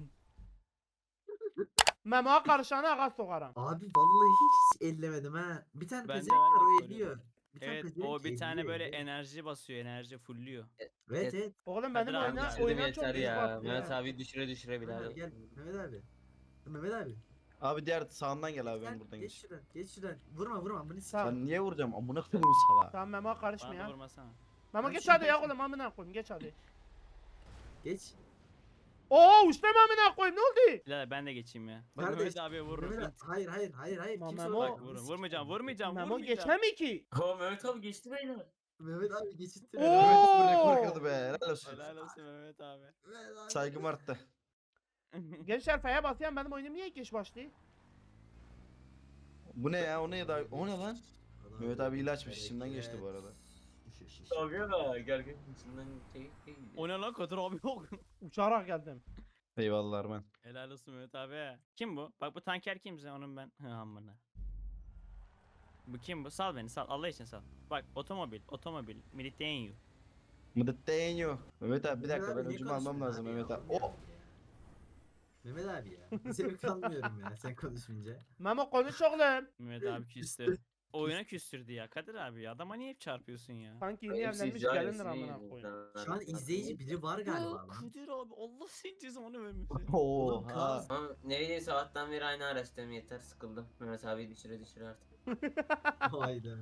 Speaker 1: Memo'ya karışanı ağa sokarım.
Speaker 7: Abi vallahi hiç ellemedim ha. Bir tane
Speaker 3: Ben de-
Speaker 7: pezevenk
Speaker 3: ben de
Speaker 7: var o
Speaker 3: koruyorum.
Speaker 7: ediyor. Bir tane
Speaker 3: Evet
Speaker 7: pezevenk
Speaker 3: o bir tane
Speaker 7: elliyor,
Speaker 3: böyle
Speaker 7: elliyor.
Speaker 3: enerji basıyor enerji fullüyor.
Speaker 7: Evet evet.
Speaker 1: Oğlum
Speaker 3: Kadir
Speaker 1: benim
Speaker 3: abi
Speaker 1: oyuna,
Speaker 3: düşürdüm
Speaker 1: oyuna çok
Speaker 8: yeter
Speaker 1: büyük
Speaker 8: ya.
Speaker 1: baktı
Speaker 8: Mehmet
Speaker 1: ya.
Speaker 8: abi düşüre düşüre
Speaker 7: Mehmet abi
Speaker 8: birader.
Speaker 7: gel. Mehmet abi. Mehmet abi.
Speaker 5: Abi diğer sağından gel abi ben
Speaker 7: Gel,
Speaker 5: buradan
Speaker 7: geç
Speaker 5: geç.
Speaker 7: şuradan. Geç şuradan. Vurma vurma bunu sik.
Speaker 1: Tamam.
Speaker 5: Ben niye vuracağım? Amına koyayım sala.
Speaker 1: Tamam Memo'ya karışma
Speaker 3: Bana da
Speaker 1: ya.
Speaker 3: vurmasana.
Speaker 1: Memo
Speaker 7: Ben
Speaker 1: geç
Speaker 7: şimdi-
Speaker 1: hadi ya oğlum amına koyayım geç hadi.
Speaker 7: Geç.
Speaker 1: Oo uçtum amına koyayım ne oldu?
Speaker 3: Birader ben de geçeyim ya. Bak
Speaker 7: Kardeş,
Speaker 3: Mehmet abiye vururum.
Speaker 7: Mehmet abi- hayır hayır hayır hayır.
Speaker 1: Ama
Speaker 7: Kimse
Speaker 1: Memo-
Speaker 7: vurma.
Speaker 3: Bak
Speaker 7: Bunu
Speaker 3: vurun
Speaker 7: sik.
Speaker 3: vurmayacağım vurmayacağım
Speaker 1: Memo
Speaker 3: vurmayacağım.
Speaker 1: geçmem ki.
Speaker 8: Oo Mehmet abi geçti beyler.
Speaker 7: Mehmet abi geçitti.
Speaker 1: Oo!
Speaker 5: Mehmet üstüne rekor kırdı be. Helal olsun.
Speaker 3: Helal olsun Mehmet abi.
Speaker 7: Mehmet abi.
Speaker 5: Saygım arttı.
Speaker 1: Gençler F'ye basıyorum benim oyunum niye geç başlıyor?
Speaker 5: Bu ne ya? O ne da? O ne lan?
Speaker 7: Adam
Speaker 5: Mehmet abi ilaçmış,
Speaker 7: hareket.
Speaker 5: içimden geçti bu arada.
Speaker 8: Abi ya gel gel. İçinden şey- şey-
Speaker 3: O ne lan Kadir abi yok.
Speaker 1: Uçarak geldim.
Speaker 5: Eyvallah Arman.
Speaker 3: Helal olsun Mehmet abi. Kim bu? Bak bu tanker kimse onun ben. Hı amına. Bu kim bu? Sal beni sal. Allah için sal. Bak otomobil, otomobil, militenyo.
Speaker 5: Mıdıtteğenyo. Mehmet abi bir
Speaker 7: Mehmet
Speaker 5: dakika
Speaker 7: abi
Speaker 5: ben
Speaker 7: ne
Speaker 5: öcümü almam
Speaker 7: konuşuyorsun
Speaker 5: lazım
Speaker 7: abi
Speaker 5: Mehmet
Speaker 7: ya?
Speaker 5: abi.
Speaker 7: Oğlum ya.
Speaker 5: Oh!
Speaker 7: Mehmet abi ya. Zevk almıyorum ya sen konuşunca.
Speaker 1: Memo konuş oğlum.
Speaker 3: Mehmet abi küstü. Oyuna küstürdü ya Kadir abi ya. Adama niye hep çarpıyorsun ya?
Speaker 1: Sanki yeni
Speaker 8: Hepsi
Speaker 1: evlenmiş
Speaker 8: can,
Speaker 1: gelindir
Speaker 8: hepsi
Speaker 1: amına
Speaker 8: iyi.
Speaker 1: koyayım.
Speaker 7: Şu an izleyici biri var galiba
Speaker 3: Ya
Speaker 7: lan.
Speaker 3: Kadir abi Allah senin cezanı vermesin.
Speaker 7: Oğlum
Speaker 5: Oha.
Speaker 7: kaz.
Speaker 8: Ama ne bileyim sabahtan beri aynı araçtayım yeter sıkıldım. Mehmet abi düşüre düşüre artık.
Speaker 7: Hayda.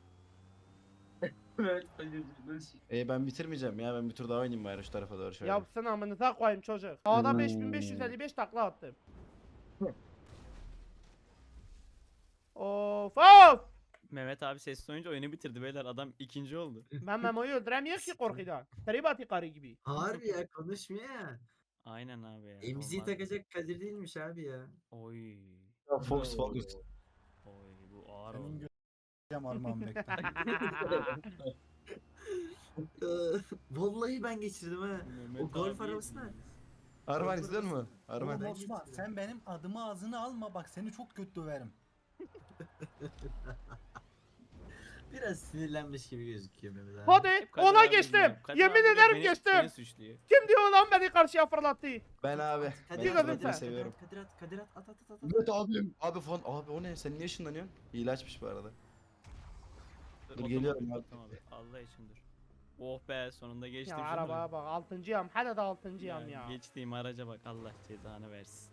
Speaker 8: Mehmet
Speaker 5: E ben bitirmeyeceğim ya. Ben bir tur daha oynayayım bari şu tarafa doğru şöyle.
Speaker 1: Yapsın amınıza koyayım çocuk. Dağda beş bin beş yüz elli beş takla attım. Of of.
Speaker 3: Mehmet abi sesli oyuncu oyunu bitirdi beyler. Adam ikinci oldu.
Speaker 1: Ben Memo'yu öldüremiyor ki korkudan. Tribati karı gibi.
Speaker 7: Harbi ya konuşmuyor ya.
Speaker 3: Aynen abi ya.
Speaker 7: Emziği
Speaker 3: olmaz.
Speaker 7: takacak Kadir değilmiş abi ya.
Speaker 3: Oy.
Speaker 5: Fox Focus.
Speaker 3: Oy bu ağır
Speaker 4: Senin
Speaker 3: oldu.
Speaker 4: göreceğim Armağan bekle.
Speaker 7: Ee, Vallahi ben geçirdim ha.
Speaker 3: Mehmet
Speaker 7: O golf
Speaker 3: abi-
Speaker 7: arabası ne?
Speaker 5: Arman izliyor musun?
Speaker 4: Oğlum
Speaker 5: Arman.
Speaker 7: ben
Speaker 4: Osman
Speaker 7: geçtim.
Speaker 4: sen benim adımı ağzına alma bak seni çok kötü döverim.
Speaker 7: Biraz sinirlenmiş gibi gözüküyor Mehmet abi.
Speaker 1: Hadi
Speaker 3: Hep Kadir
Speaker 1: ona
Speaker 3: abi
Speaker 1: geçtim.
Speaker 3: diyor. Kadir
Speaker 1: Yemin
Speaker 3: abi diyor,
Speaker 1: ederim
Speaker 3: beni-
Speaker 1: geçtim.
Speaker 3: Beni suçluyor.
Speaker 1: Kim diyor lan beni karşıya fırlattı?
Speaker 5: Ben abi.
Speaker 7: Kadir
Speaker 1: Bir
Speaker 5: Ben
Speaker 7: at,
Speaker 1: gözün
Speaker 5: Kadir'i
Speaker 7: Kadir at,
Speaker 1: sen.
Speaker 5: seviyorum.
Speaker 7: Kadir at, Kadir at, at, at, at, at.
Speaker 5: Evet abim. Abi fon. Abi o ne? Sen niye ışınlanıyorsun? İlaçmış bu arada. Dur,
Speaker 3: Otomobil,
Speaker 5: geliyorum abi.
Speaker 3: otomobil. Allah için dur. Oh be sonunda geçtim.
Speaker 1: Ya
Speaker 3: şunu.
Speaker 1: arabaya bak altıncıyım. Hala da altıncıyım ya.
Speaker 3: Geçtiğim araca bak Allah cezanı versin.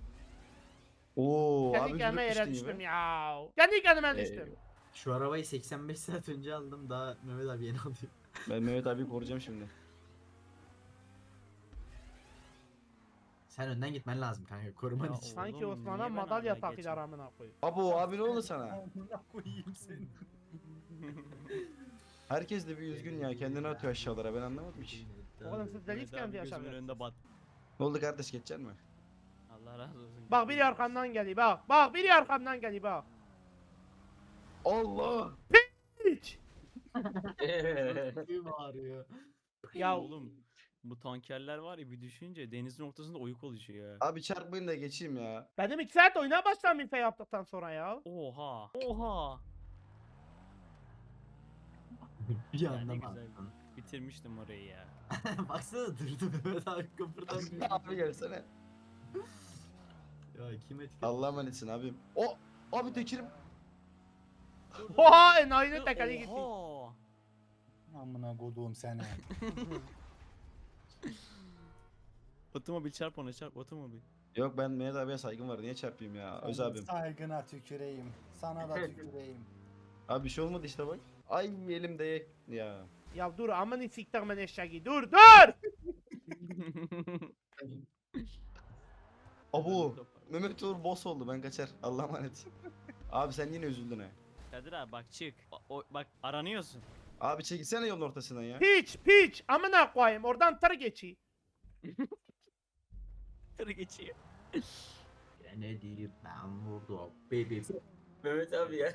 Speaker 5: Oo
Speaker 1: Kendi
Speaker 5: abi
Speaker 1: kendime
Speaker 5: cülük
Speaker 1: yere
Speaker 5: düştün
Speaker 1: düştüm
Speaker 5: gibi.
Speaker 1: ya. Kendi kendime
Speaker 5: Ee,
Speaker 1: düştüm.
Speaker 7: Şu arabayı seksen beş saat önce aldım daha Mehmet abi yeni alıyor.
Speaker 5: Ben Mehmet abi koruyacağım şimdi.
Speaker 7: Sen önden gitmen lazım kanka koruman
Speaker 3: Ya
Speaker 7: için.
Speaker 1: Sanki
Speaker 3: Oğlum,
Speaker 1: Osman'a
Speaker 3: niye ben
Speaker 1: madalya
Speaker 3: hala
Speaker 1: takıyorlar
Speaker 3: geçeyim?
Speaker 1: amına koyayım.
Speaker 5: Abo abi ne oldu sana?
Speaker 4: Amına koyayım seni.
Speaker 5: Herkes de bir üzgün ya. Kendini atıyor aşağılara. Ben anlamadım hiç.
Speaker 1: Oğlum siz
Speaker 3: Mehmet
Speaker 1: delikten
Speaker 3: abi
Speaker 1: bir
Speaker 3: gözümün
Speaker 1: yaşamıyorsunuz.
Speaker 3: önünde bat.
Speaker 5: Ne oldu kardeş geçecek mi?
Speaker 3: Allah razı olsun.
Speaker 1: Bak biri arkamdan geliyor bak. Bak biri arkamdan geliyor bak.
Speaker 5: Allah!
Speaker 1: Hiç.
Speaker 7: Kim ağrıyor?
Speaker 1: Ya
Speaker 3: Oğlum bu tankerler var ya bir düşünce denizin ortasında oyuk oluşuyor ya.
Speaker 5: Abi çarpmayın da geçeyim ya.
Speaker 1: benim iki saat oyuna başlamayayım fe yaptıktan sonra ya.
Speaker 3: Oha. Oha.
Speaker 7: Bir
Speaker 3: Ya ne
Speaker 7: anda
Speaker 3: güzel.
Speaker 7: baktın.
Speaker 3: Bitirmiştim orayı ya.
Speaker 7: Baksana durdu Mehmet abi kıpırdanmıyor.
Speaker 5: abi gelsene.
Speaker 7: Ya kim etkiledi?
Speaker 5: Allah'a emanetsin abim. O abi tekirim.
Speaker 1: Oha enayinin tekeri gitti.
Speaker 3: Oha!
Speaker 4: Amına koduğum seni.
Speaker 3: Otomobil çarp ona çarp otomobil.
Speaker 5: Yok ben Mehmet abiye saygım var. Niye çarpayım ya? Öz abim.
Speaker 4: Saygına tüküreyim. Sana da tüküreyim.
Speaker 5: Abi bir şey olmadı işte bak. Ay elimde ya.
Speaker 1: Ya dur aman siktir ben eşeği dur dur.
Speaker 5: Abu. Mehmet Uğur boss oldu ben kaçar. Allah'a emanet. Abi sen yine üzüldün ha.
Speaker 3: Kadir abi bak çık. O, o- bak aranıyorsun.
Speaker 5: Abi çekilsene yolun ortasından ya.
Speaker 1: Piç piç amına koyayım oradan tır geçi.
Speaker 3: Tır geçiyor.
Speaker 7: Ne diyeyim ben vurdum. Baby.
Speaker 8: Mehmet abi ya.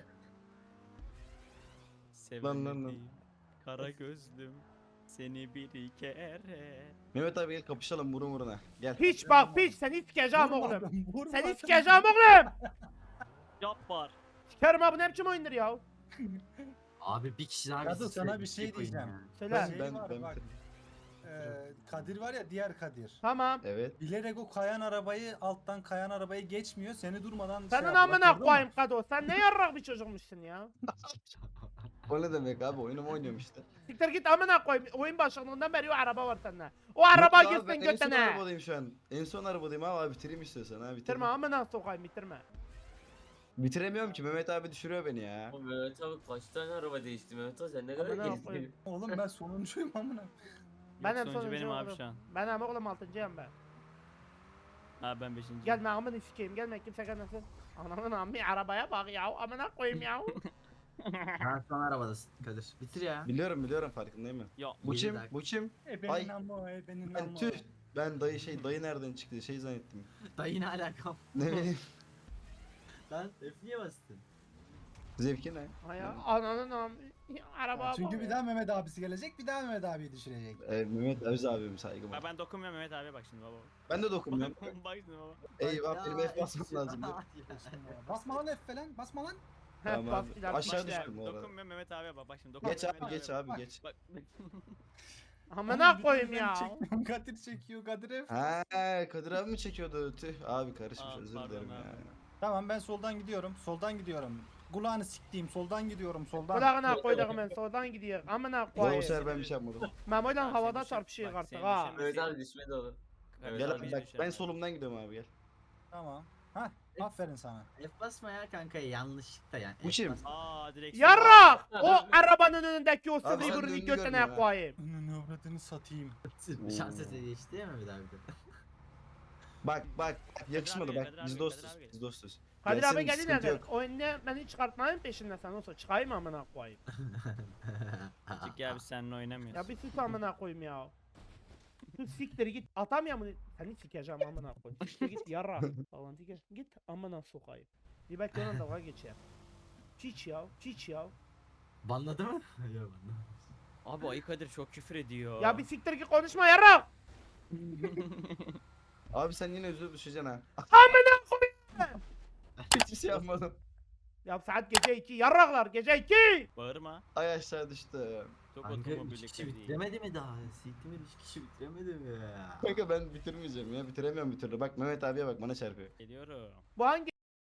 Speaker 5: Lan, lan, lan.
Speaker 3: Sevmedim. Kara gözlüm. Seni bir kere.
Speaker 5: Mehmet abi gel kapışalım burun buruna. Gel.
Speaker 1: Piç bak piç seni sikeceğim
Speaker 4: Vurma
Speaker 1: oğlum.
Speaker 4: ben, vurma
Speaker 1: Seni
Speaker 4: ben.
Speaker 1: sikeceğim oğlum.
Speaker 3: Yap var.
Speaker 1: Sikerim abi ne biçim oyundur ya.
Speaker 7: Abi bir kişi daha
Speaker 4: Kadı,
Speaker 7: bizi
Speaker 4: sana
Speaker 7: sevdi,
Speaker 4: bir şey
Speaker 7: tek oyun
Speaker 4: diyeceğim.
Speaker 7: ya.
Speaker 1: Söyle.
Speaker 4: Şey
Speaker 5: Ben-
Speaker 4: var
Speaker 5: ben
Speaker 4: bak.
Speaker 5: bitirdim.
Speaker 4: Ee, Kadir var ya, diğer Kadir.
Speaker 1: Tamam.
Speaker 5: Evet.
Speaker 4: Bilerek o kayan arabayı, alttan kayan arabayı geçmiyor. Seni durmadan şey
Speaker 1: Senin
Speaker 4: yapıyor,
Speaker 1: amına
Speaker 4: hatırladın mı?
Speaker 1: koyayım Kado. Sen ne yarrak bir çocukmuşsun ya.
Speaker 5: O ne demek abi oyunumu oynuyorum işte.
Speaker 1: Siktir git amına koyayım. Oyun başladığından beri o araba var sende. O araba
Speaker 5: Yok abi,
Speaker 1: gitsin
Speaker 5: ben en son
Speaker 1: götüne.
Speaker 5: arabadayım şu an. En son arabadayım abi, abi bitireyim istiyorsan ha bitirme.
Speaker 1: Bitirme amına sokayım bitirme.
Speaker 5: Bitiremiyorum ki Mehmet abi düşürüyor beni ya.
Speaker 8: O Mehmet abi kaç tane araba değişti Mehmet abi sen ne kadar
Speaker 1: Amına
Speaker 8: gezdin?
Speaker 1: koyayım.
Speaker 4: Oğlum ben sonuncuyum amına.
Speaker 1: Ben
Speaker 3: Yok,
Speaker 1: en
Speaker 3: sonuncu benim
Speaker 1: sonuncu
Speaker 3: abi
Speaker 1: oğlum.
Speaker 3: şu an.
Speaker 1: Ben ama oğlum altıncıyım ben.
Speaker 3: Ha ben beşinci.
Speaker 1: Gelme amına sikeyim gelme kimse gelmesin. Ananın ammi arabaya bak ya amına koyayım ya.
Speaker 7: Ben son arabadasın Kadir. Bitir ya.
Speaker 5: Biliyorum biliyorum farkındayım ben.
Speaker 3: Ya
Speaker 5: Bu
Speaker 7: Yedi
Speaker 5: kim?
Speaker 7: dakika.
Speaker 5: Bu kim?
Speaker 4: E benim
Speaker 5: Ay.
Speaker 4: ama e benim
Speaker 5: Ben
Speaker 4: ama.
Speaker 5: tüh. Ben dayı şey dayı nereden çıktı şey zannettim.
Speaker 7: Dayı ne alakam?
Speaker 5: Ne bileyim.
Speaker 7: Lan F niye bastın?
Speaker 5: Zevki ne?
Speaker 1: Ay ya ananın ammi arabaya bak.
Speaker 4: Çünkü bir
Speaker 1: ya.
Speaker 4: daha Mehmet abisi gelecek, bir daha Mehmet abiyi düşürecek.
Speaker 5: Ee, Mehmet Öz abim saygım
Speaker 3: Bak
Speaker 5: var.
Speaker 3: ben dokunmuyorum Mehmet abi bak şimdi baba.
Speaker 5: Ben de dokunmuyorum.
Speaker 3: Bak şimdi baba.
Speaker 5: Eyvah benim F basmam lazım.
Speaker 4: Basma lan F falan, basma lan.
Speaker 1: Heh,
Speaker 5: Tamam
Speaker 1: bas
Speaker 5: abi.
Speaker 1: ileride
Speaker 5: Aşağı
Speaker 1: işte.
Speaker 5: düştüm bu arada.
Speaker 3: Dokunmuyorum Mehmet abiye bak bak şimdi
Speaker 5: Geç
Speaker 3: dokunmuyorum
Speaker 5: abi
Speaker 3: Mehmet
Speaker 5: geç
Speaker 3: abiye.
Speaker 5: abi geç.
Speaker 3: Bak.
Speaker 1: Amına
Speaker 4: Oğlum,
Speaker 1: koyayım
Speaker 4: ben
Speaker 1: ya.
Speaker 4: çekmiyorum, Kadir çekiyor, Kadir F.
Speaker 5: Ha Kadir abi mi çekiyordu? Tüh abi karışmış
Speaker 3: Aa,
Speaker 5: özür
Speaker 3: pardon
Speaker 5: dilerim
Speaker 3: abi.
Speaker 5: ya.
Speaker 4: Tamam ben soldan gidiyorum, soldan gidiyorum. Kulağını siktiğim, soldan gidiyorum, soldan.
Speaker 1: Kulağına koyduk ben soldan gidiyor. Amına
Speaker 5: Valla bu
Speaker 1: koyayım.
Speaker 5: sefer ben bir şey yapmadım.
Speaker 1: Memo'yla
Speaker 3: Bak,
Speaker 1: havada
Speaker 3: seni
Speaker 1: çarpışıyor
Speaker 3: düşür- bak,
Speaker 1: artık
Speaker 3: seni
Speaker 1: ha.
Speaker 3: düşürme-
Speaker 8: Mehmet abi düşmedi oğlum.
Speaker 3: Kadir
Speaker 5: Gel
Speaker 3: abi
Speaker 5: abi
Speaker 3: hiç
Speaker 5: bak
Speaker 3: düşer
Speaker 5: ben
Speaker 3: mi?
Speaker 5: solumdan gidiyorum abi gel.
Speaker 4: Tamam. Hah, aferin sana.
Speaker 7: F basma ya kanka yanlışlıkla yani.
Speaker 5: Bu
Speaker 7: F
Speaker 5: kim?
Speaker 7: basma.
Speaker 3: Aa direksiyon.
Speaker 1: Yarrak! O arabanın önündeki o
Speaker 5: Abi
Speaker 1: sıvıyı
Speaker 5: sen
Speaker 1: burnu
Speaker 5: döndü
Speaker 1: götüne
Speaker 5: görmüyor ha.
Speaker 1: koyayım.
Speaker 4: Önünü avradını satayım.
Speaker 7: Şans eseri geçti değil mi Mehmet abi de?
Speaker 5: Bak bak yakışmadı
Speaker 3: abi,
Speaker 5: bak
Speaker 3: Kadir
Speaker 5: biz
Speaker 3: abi,
Speaker 5: dostuz
Speaker 3: Kadir abi.
Speaker 5: biz dostuz.
Speaker 1: Kadir
Speaker 5: Gelsin,
Speaker 1: abi geldi
Speaker 5: sıkıntı
Speaker 1: nereden?
Speaker 5: yok.
Speaker 1: O önüne beni çıkartmayın peşinden sen olsa çıkayım amına koyayım.
Speaker 3: Çık ya biz seninle oynamıyoruz.
Speaker 1: Ya bir sus amına koyayım ya. Sus siktir git atamıyor mu? Seni sikeceğim amına koyayım. Siktir git yarra. Falan git git amına sokayım. Bir belki ona dalga geçer. Çiç ya çiç ya.
Speaker 7: Banladı mı? Yok banladı.
Speaker 3: Abi Ayı Kadir çok küfür ediyor.
Speaker 1: Ya bir siktir git konuşma yarra.
Speaker 5: Abi sen yine özür düşeceksin ha.
Speaker 1: Amına koyayım.
Speaker 5: Hiç şey yapmadım.
Speaker 1: Ya saat gece iki yarraklar gece iki.
Speaker 3: Bağırma.
Speaker 5: Ay aşağı düştü.
Speaker 3: Çok
Speaker 7: Kanka
Speaker 3: otomobillik
Speaker 7: iki kişi
Speaker 3: değil.
Speaker 7: bitiremedi mi daha? Siktimir iki kişi bitiremedi mi?
Speaker 5: Kanka ben bitirmeyeceğim ya bitiremiyorum bir türlü. Bak Mehmet abiye bak bana çarpıyor.
Speaker 3: Geliyorum.
Speaker 1: Bu hangi?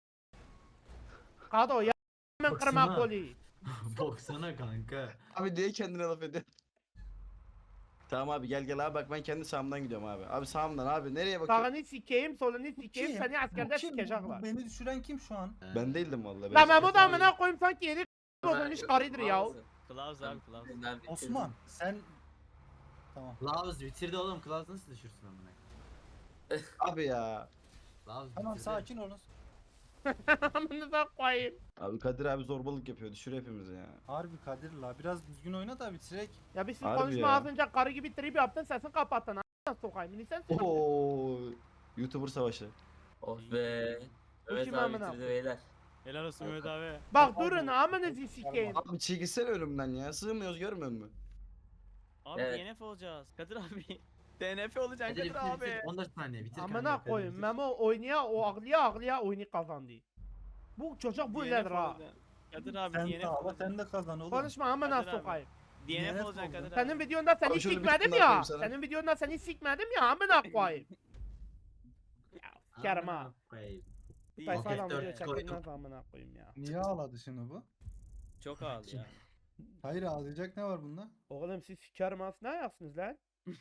Speaker 1: Kado ya. Ben
Speaker 7: Baksana.
Speaker 1: kırma koli.
Speaker 7: Baksana kanka.
Speaker 5: Abi niye kendine laf ediyorsun? Tamam abi gel gel abi bak ben kendi sağımdan gidiyorum abi. Abi sağımdan abi nereye bakıyorsun?
Speaker 1: Sağını sikeyim solunu sikeyim
Speaker 4: Kim?
Speaker 1: seni askerde
Speaker 4: Bu kim? Bu-
Speaker 1: sikecekler.
Speaker 4: bu Beni düşüren kim şu an?
Speaker 5: Ben değildim vallahi.
Speaker 1: Lan
Speaker 5: ben
Speaker 1: Memo da amına koyayım sanki yeni olmuş karıdır ya.
Speaker 3: Kılavuz abi kılavuz.
Speaker 4: Osman sen... Tamam.
Speaker 7: Lavuz bitirdi oğlum. Klaus nasıl düşürsün amına?
Speaker 5: Abi ya.
Speaker 7: Lavuz
Speaker 4: Tamam
Speaker 7: bitirdi.
Speaker 4: sakin olun.
Speaker 1: Amına da koyayım.
Speaker 5: Abi Kadir abi zorbalık yapıyor düşür hepimizi ya.
Speaker 4: Harbi Kadir la, biraz düzgün oyna da bitirek.
Speaker 1: Ya bir siz
Speaker 5: Harbi
Speaker 1: konuşma
Speaker 5: ya.
Speaker 1: az önce karı gibi trip yaptın sesini kapattın. Amına sokayım. Ni sen söyle.
Speaker 5: Oo. YouTuber savaşı.
Speaker 8: Oh be.
Speaker 1: Bu
Speaker 8: Mehmet
Speaker 1: kim
Speaker 8: abi
Speaker 1: amına
Speaker 8: bitirdi
Speaker 1: koyayım?
Speaker 8: beyler.
Speaker 3: Helal olsun Mehmet abi.
Speaker 1: Bak durun amınızı sikeyim.
Speaker 5: Abi çekilsene ölümden ya. Sığmıyoruz görmüyor musun?
Speaker 3: Abi
Speaker 8: Evet.
Speaker 3: D N F olacağız. Kadir abi. D N F olacaksın
Speaker 7: Hadi
Speaker 3: Kadir
Speaker 7: bitir
Speaker 3: abi.
Speaker 7: bitir. on dört saniye bitir kanka.
Speaker 1: Amına
Speaker 7: Kadir
Speaker 1: koyayım.
Speaker 7: bitir.
Speaker 1: Memo oynaya o ağlıya ağlıya oyunu kazandı. Bu çocuk bu
Speaker 3: D N F
Speaker 1: ilerdir ha.
Speaker 3: olacaksın. Kadir abi
Speaker 4: Sen
Speaker 3: D N F
Speaker 4: de ağla,
Speaker 3: olacaksın.
Speaker 4: sen de kazan oğlum.
Speaker 1: Konuşma amına
Speaker 3: Kadir abi.
Speaker 1: sokayım.
Speaker 3: D N F
Speaker 7: D N F
Speaker 3: olacak
Speaker 7: oldu.
Speaker 3: kadar.
Speaker 1: Senin videonda seni
Speaker 5: Abi şöyle bir
Speaker 1: sikmedim
Speaker 5: tane daha
Speaker 1: ya.
Speaker 5: koyayım sana.
Speaker 1: Senin videonda seni sikmedim ya amına koyayım. Ya sikerim ha.
Speaker 7: Amına koyayım.
Speaker 1: Bu tayfadan
Speaker 7: Roket
Speaker 1: video
Speaker 7: dört
Speaker 1: çekilmez amına koyayım ya.
Speaker 4: Niye ağladı şimdi bu?
Speaker 3: Çok ağlı ya.
Speaker 4: Hayır ağlayacak ne var bunda?
Speaker 1: Oğlum siz sikerim aslında ne yapsınız lan?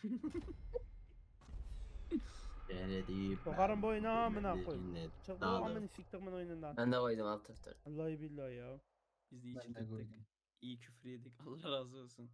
Speaker 7: Denediğim
Speaker 1: Sokarım bu oyunu
Speaker 7: ben
Speaker 1: amına
Speaker 7: dinledim,
Speaker 1: koyayım.
Speaker 7: dinledim.
Speaker 1: Çık bu
Speaker 7: Dağılırım.
Speaker 1: amını siktimin oyunundan.
Speaker 8: Ben de koydum alt F dört.
Speaker 1: Vallahi billahi ya.
Speaker 3: Biz de iyi
Speaker 4: Ben de
Speaker 3: çıktık.
Speaker 4: koydum.
Speaker 3: İyi küfür yedik. Allah razı olsun.